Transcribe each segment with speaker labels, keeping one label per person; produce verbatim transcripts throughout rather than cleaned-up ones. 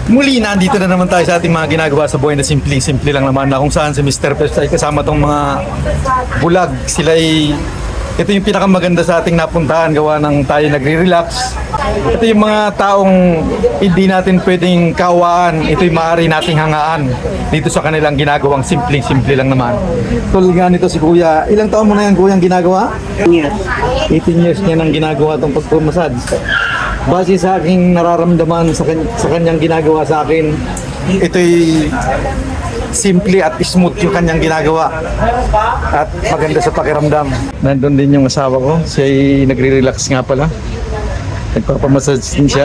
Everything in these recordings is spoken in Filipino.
Speaker 1: Muli, nandito na naman tayo sa ating mga ginagawa sa buhay na simple-simple lang naman na kung saan si mister Peps ay kasama tong mga bulag. Sila ay, ito yung pinakamaganda sa ating napuntahan gawa ng tayo nagre-relax. Ito yung mga taong hindi natin pwedeng kawaan. Ito yung maaari nating hangaan dito sa kanilang ginagawang simple-simple lang naman. Tulad nga nito si Kuya, ilang taon mo na yan Kuya ang ginagawa?
Speaker 2: Yes.
Speaker 1: eighteen years niya nang ginagawa itong pagpumasad. Base sa aking nararamdaman sa, kan- sa kanyang ginagawa sa akin, ito'y simple at smooth yung kanyang ginagawa at maganda sa pakiramdam. Nandun din yung asawa ko, siya ay nagre-relax nga pala. Nagpapamassage din siya.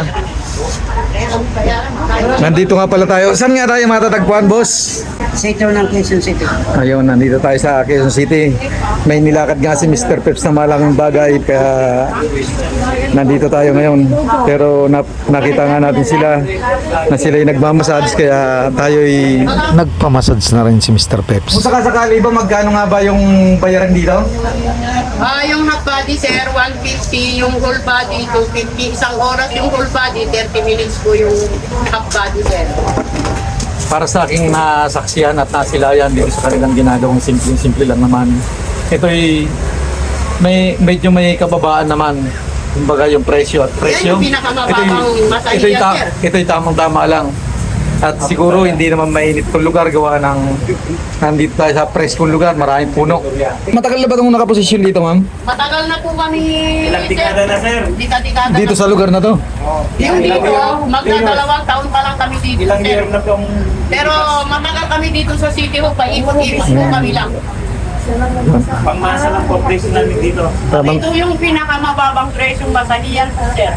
Speaker 1: Nandito nga pala tayo. Saan nga tayo matatagpuan, boss?
Speaker 2: Sito ng Quezon City.
Speaker 1: Ayun, nandito tayo sa Quezon City. May nilakad nga si mister Peps na malaking bagay kaya nandito tayo ngayon. Pero na, nakita nga natin sila na sila yung nagmamassage kaya tayo'y nagpamassage na rin si mister Peps. Kung sakasakali ba, magkano nga ba yung bayaran dito?
Speaker 3: Ah, yung half body sir, one fifty, yung whole body, two fifty. Isang oras yung whole body, thirty minutes po yung half body sir.
Speaker 1: Para sa aking nasaksiyan at nasilayan dito sa kanilang ginagawang simple-simple lang naman. Ito'y may medyo may kababaan naman. Kumbaga yung presyo at presyo.
Speaker 3: Yan yung pinakamababang masahiya,
Speaker 1: ito'y, ta-
Speaker 3: sir.
Speaker 1: ito'y tamang-tama lang. At siguro hindi naman mainit kung lugar gawa ng nandito tayo sa preskong lugar, maraming puno. Matagal na ba itong nakaposisyon dito, ma'am?
Speaker 3: Matagal na po kami,
Speaker 4: Ilang dekada na, sir?
Speaker 3: Dika-dikada
Speaker 1: Dito
Speaker 3: na
Speaker 1: sa
Speaker 3: po.
Speaker 1: lugar na to?
Speaker 3: Yung dito, magdadalawang taon pa lang kami dito
Speaker 4: Ilang
Speaker 3: sir.
Speaker 4: year na pong
Speaker 3: Pero matagal kami dito sa City Hall, paikot-ikot po kami lang.
Speaker 4: pangmasa ng corporation namin dito.
Speaker 1: Tamang,
Speaker 3: Ito yung pinakamababang presyong masahiyan po sir.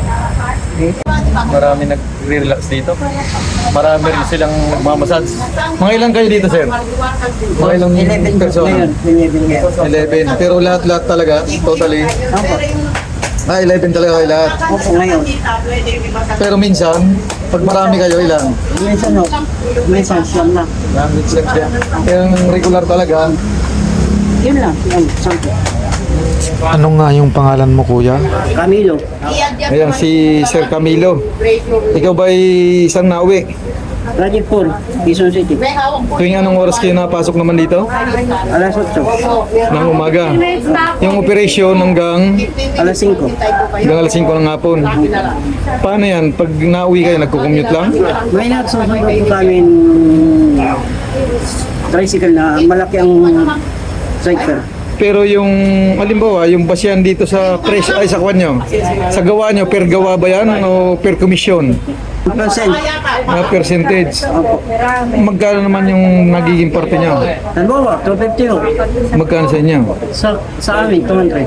Speaker 1: marami nag-relax dito. Marami rin silang nagmamassage. Mga ilan kayo dito, sir? Mga ilang
Speaker 2: eleven
Speaker 1: persona?
Speaker 2: ngayon. eleven ngayon.
Speaker 1: eleven. Pero lahat-lahat talaga, totally. Ah, eleven talaga kayo lahat.
Speaker 2: Opo, ngayon.
Speaker 1: Pero minsan, pag marami kayo, ilan?
Speaker 2: Minsan no, minsan siyam na.
Speaker 1: Marami sila siya. Yung regular talaga.
Speaker 2: Yun lang, yun, sampo.
Speaker 1: Ano nga yung pangalan mo, kuya?
Speaker 2: Camilo.
Speaker 1: Ayan, si Sir Camilo. Ikaw ba isang nauwi?
Speaker 2: Project four, Quezon City.
Speaker 1: Tuwing anong oras kayo napasok naman dito?
Speaker 2: Alas otso,
Speaker 1: Ng umaga. Yung operasyon hanggang
Speaker 2: alas singko.
Speaker 1: hanggang alas singko ng hapon. Paano yan? Pag nauwi kayo, nagko-commute lang?
Speaker 2: May nagsusunod po kami tricycle na malaki ang cycle.
Speaker 1: Pero yung, halimbawa, yung basyan dito sa press, ay sa kwan nyo, sa gawa nyo, per gawa ba yan o per commission?
Speaker 2: Percent.
Speaker 1: Na percentage?
Speaker 2: Opo.
Speaker 1: Magkano naman yung nagiging parte nyo?
Speaker 2: Halimbawa, two fifty ho.
Speaker 1: Magkano sa inyo?
Speaker 2: Sa, sa amin, two hundred.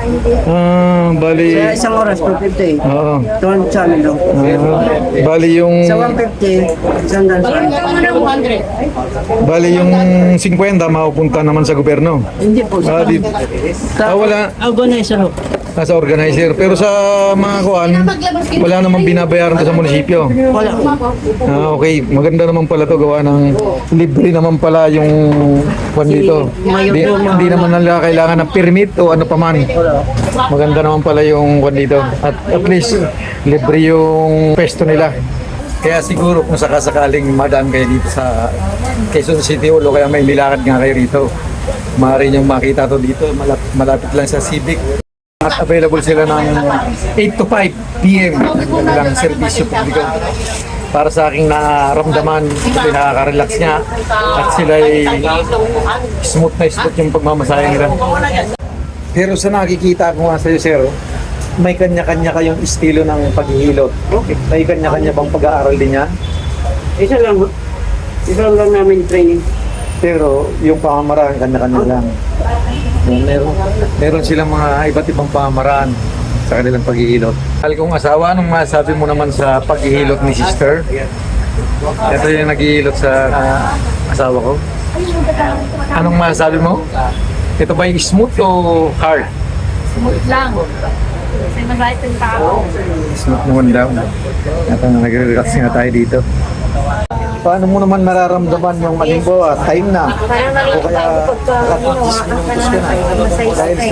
Speaker 1: Ah, bali,
Speaker 2: Sa isang oras, two fifty.
Speaker 1: oo.
Speaker 2: two hundred sa amin daw.
Speaker 1: Ah, bali yung,
Speaker 2: Sa one fifty, isang daan sa amin.
Speaker 3: two hundred.
Speaker 1: bali yung fifty mapupunta naman sa gobyerno.
Speaker 2: Hindi po.
Speaker 1: Ah, di, ah, wala,
Speaker 2: Organizer ho.
Speaker 1: nasa organizer. Pero sa mga kuan, wala namang binabayaran to sa munisipyo.
Speaker 2: Wala po.
Speaker 1: Ah, okay. Maganda naman pala to gawa ng libre naman pala yung kwan dito. Di, hindi naman nila kailangan ng permit o ano pa man. Maganda naman pala yung kwan dito. At at least libre yung pesto nila. Kaya siguro kung sakasakaling madaan kayo dito sa Quezon City o kaya may nilakad nga kayo rito, maaari niyong makita to dito. Malapit, malapit lang sa Civic. At available sila ng eight to five p m ng serbisyo publiko. Para sa aking naramdaman, ito'y nakaka-relax niya at sila ay smooth na smooth yung pagmamasahe nila. Pero sa nakikita ko nga sa'yo, sir, may kanya-kanya kayong estilo ng paghihilot. May kanya-kanya bang pag-aaral din niya?
Speaker 2: Isa lang ho. Isa lang namin training.
Speaker 1: Pero yung pamamaraan, kanya-kanya lang. Meron, meron silang mga iba't ibang pamamaraan sa kanilang paghihilot. Mahal kong asawa, anong masabi mo naman sa paghihilot ni sister? Ito yung naghihilot sa ah, asawa ko. Anong masabi mo? Ito ba yung smooth o hard?
Speaker 5: Smooth lang. Kasi mabait yung tao.
Speaker 1: Smooth naman daw. At uh, nagre-relax nga tayo dito. Paano mo naman nararamdaman yung halimbawa, time na?
Speaker 5: Parang
Speaker 1: O kaya
Speaker 5: nalilito pagka ginawa
Speaker 1: nakatapos
Speaker 5: ka
Speaker 1: minutos
Speaker 5: ng
Speaker 1: ka na? Dahil sa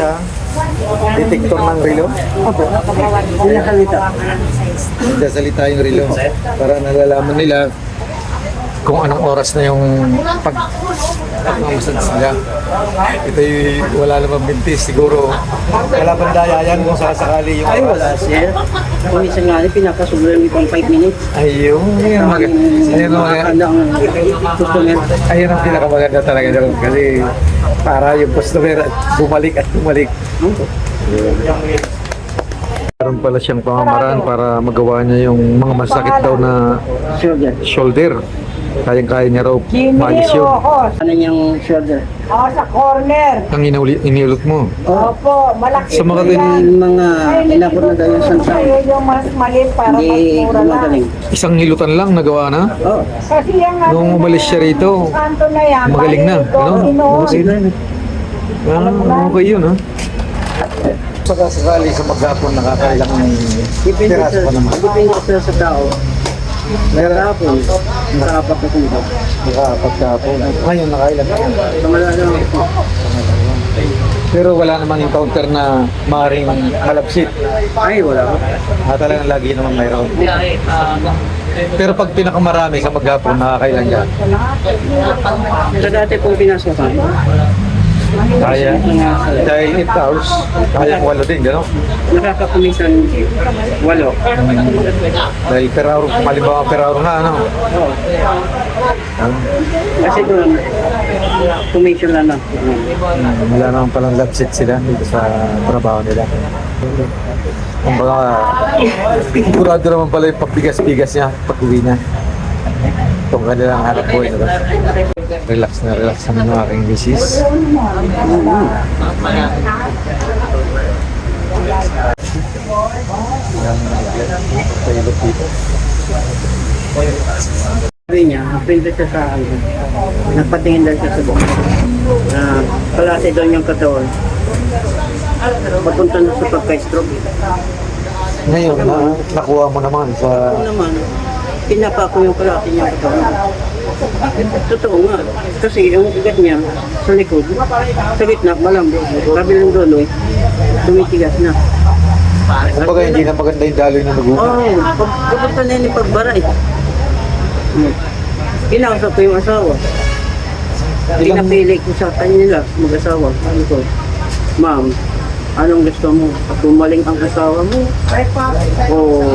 Speaker 1: Detector ng relo.
Speaker 2: Opo. Pinakalita.
Speaker 1: Sasalita yung relo para nalalaman nila kung anong oras na yung pag pagmamasad sila. Ito yung wala namang bintis siguro. Wala bang daya yan kung sasakali yung
Speaker 2: Ay, wala, sir. Kung minsan nga, pinakasulan yung pang five minutes.
Speaker 1: Ayun, ayun, mag- ayun, ang-
Speaker 2: Nakakanda ang customer.
Speaker 1: ayun ang pinakamaganda talaga doon kasi para yung customer bumalik at bumalik. Meron pala siyang pamamaraan para magawa niya yung mga masakit daw na
Speaker 2: Shoulder.
Speaker 1: shoulder. Kayang-kaya niya raw maalis yun.
Speaker 2: Ano yung shoulder?
Speaker 5: Oh, sa corner.
Speaker 1: Ang inauli, iniulot mo.
Speaker 5: Opo, malaki
Speaker 1: Sa mga
Speaker 5: po yan.
Speaker 2: Yung mga inabot na daw yung
Speaker 5: Kayo
Speaker 2: sunshine.
Speaker 5: yung mas maliit para mas
Speaker 2: Hindi
Speaker 5: mura lang.
Speaker 2: gumagaling.
Speaker 1: Isang hilutan lang nagawa na.
Speaker 2: Oo.
Speaker 5: Kasi yung ano,
Speaker 1: Nung umalis siya rito,
Speaker 5: kanto na yan,
Speaker 1: magaling na.
Speaker 5: palito,
Speaker 1: Ano?
Speaker 5: inuun.
Speaker 1: Okay na. Ah, okay yun ha. Pagka sakali sa maghapon nakakailang
Speaker 2: Depende
Speaker 1: piraso
Speaker 2: sa,
Speaker 1: pa naman.
Speaker 2: depende sa, sa tao. Meron ako, nakaapat na kung ito.
Speaker 1: Nakaapat kahapon. Ngayon nakailan na yan.
Speaker 2: Sa malalang ako.
Speaker 1: Pero wala namang encounter na maaaring malapsit.
Speaker 2: Ay, wala ko.
Speaker 1: Ah, talagang lagi naman mayroon. Pero pag pinakamarami sa maghapon, nakakailan yan.
Speaker 2: Sa dati pong pinasok ka,
Speaker 1: Kaya, dahil eight hours, kaya walo din, gano'n?
Speaker 2: nakakakumisan walo.
Speaker 1: Dahil per hour, halimbawa per hour nga, ano?
Speaker 2: Oo.
Speaker 1: Ah,
Speaker 2: Kasi doon, commission lang lang.
Speaker 1: wala naman palang lapsit sila dito sa trabaho nila. Kumbaga, sigurado naman pala yung pagbigas-bigas niya, pag-uwi niya. Itong kanilang hanap buhay na ba? Relax na relax naman ng aking misis. Pailot dito.
Speaker 2: Sabi niya, napinda siya sa ano, nagpatingin daw siya sa buhok. Na palati daw niyang katawan. Papunta na sa pagka-stroke.
Speaker 1: Ngayon, na, nakuha mo naman sa...
Speaker 2: Ano naman, pinapa ko yung palati niyang katawan. Totoo nga, kasi yung ugat niya sa likod, sa gitna, malambot. Kabilang dulo, tumitigas na.
Speaker 1: Kumbaga, hindi na maganda yung daloy na nag-uwi.
Speaker 2: Oo, oh, pag pupunta na yun yung pagbara eh. Hmm. Kinausap ko yung asawa.
Speaker 1: Ilang-
Speaker 2: Pinapili ko sa kanila, mag-asawa. Sabi ko, ma'am, anong gusto mo? Bumaling ang asawa mo? O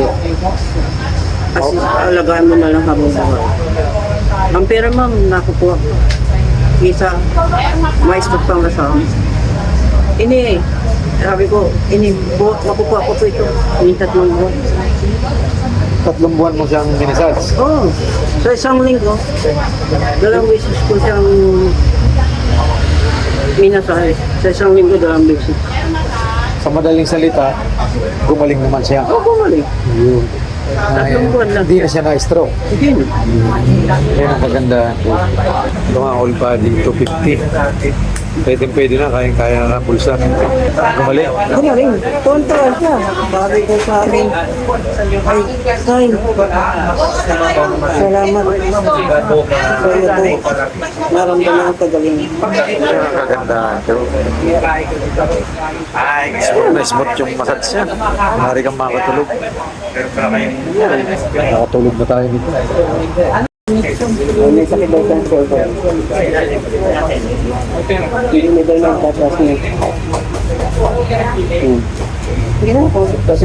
Speaker 2: kasi alagaan mo na lang habang buhay. Ang pera ma'am, nakukuha ko. Isa, maistot pang asawa. Ini, sabi ko, ini, bu- makukuha ko po ito. Ini tatlong buwan.
Speaker 1: Tatlong buwan mo siyang minisage.
Speaker 2: Oo, oh, sa isang linggo, dalawang beses ko siyang minasahe. Sa isang linggo, dalawang beses.
Speaker 1: Sa madaling salita, gumaling naman siya.
Speaker 2: Oo, gumaling.
Speaker 1: Yun.
Speaker 2: Tatlong buwan lang.
Speaker 1: Hindi na siya na-stroke.
Speaker 2: Hindi na.
Speaker 1: Yan ang maganda. Ito nga, all body, two fifty. Pwede pwede na, kayang-kaya na pulsa. Gumaling.
Speaker 2: Gumaling. Tonto siya. Sabi ko sa akin, ay, Tay, salamat sa iyo po. Naramdaman ang kagaling.
Speaker 1: Yan ang kaganda. Smooth na smooth yung massage siya. Maaari kang makatulog. Nakatulog na tayo nito.
Speaker 2: May sakit daw sa shoulder. Hindi may daw ng tatas niya. Hmm. Kasi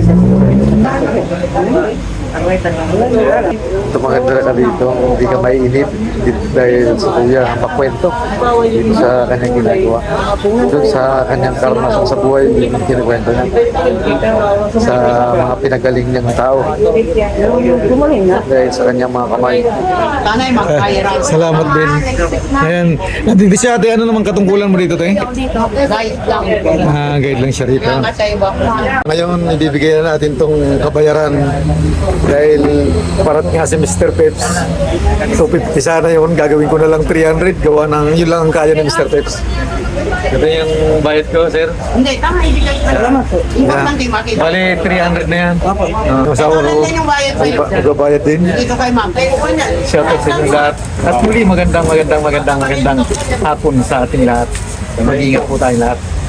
Speaker 1: Ito maganda ka dito, hindi ka maiinip dito dahil sa kuya ang pakwento dito sa kanyang ginagawa. Doon sa kanyang karanasan sa buhay, yung kinikwento niya. Sa mga pinagaling niyang tao
Speaker 2: gumaling na.
Speaker 1: dahil sa kanyang mga kamay.
Speaker 3: Tanay magkairan.
Speaker 1: Salamat din. Ayan, nandito siya ate, ano naman katungkulan mo dito te?
Speaker 3: Guys lang.
Speaker 1: Ah, guide lang siya rito.
Speaker 3: Mga sa iba.
Speaker 1: Ngayon, ibibigay na natin tong kabayaran dahil parat nga si Mister Peps. So, fifty sana yun. Gagawin ko na lang three hundred. Gawa ng yun lang ang kaya ni Mister Peps. Ito yung bayad ko, sir.
Speaker 3: Hindi, tama, ibigay ko. Salamat po. Importante makita.
Speaker 1: Bali, three hundred na yan. Opo. Uh, Masawa ko.
Speaker 3: Ano yung bayad sa'yo?
Speaker 1: Magbabayad din.
Speaker 3: Dito kay ma'am.
Speaker 1: Shout out sa inyong lahat. At muli, magandang, magandang, magandang, magandang hapon sa ating lahat. Mag-ingat po tayong lahat.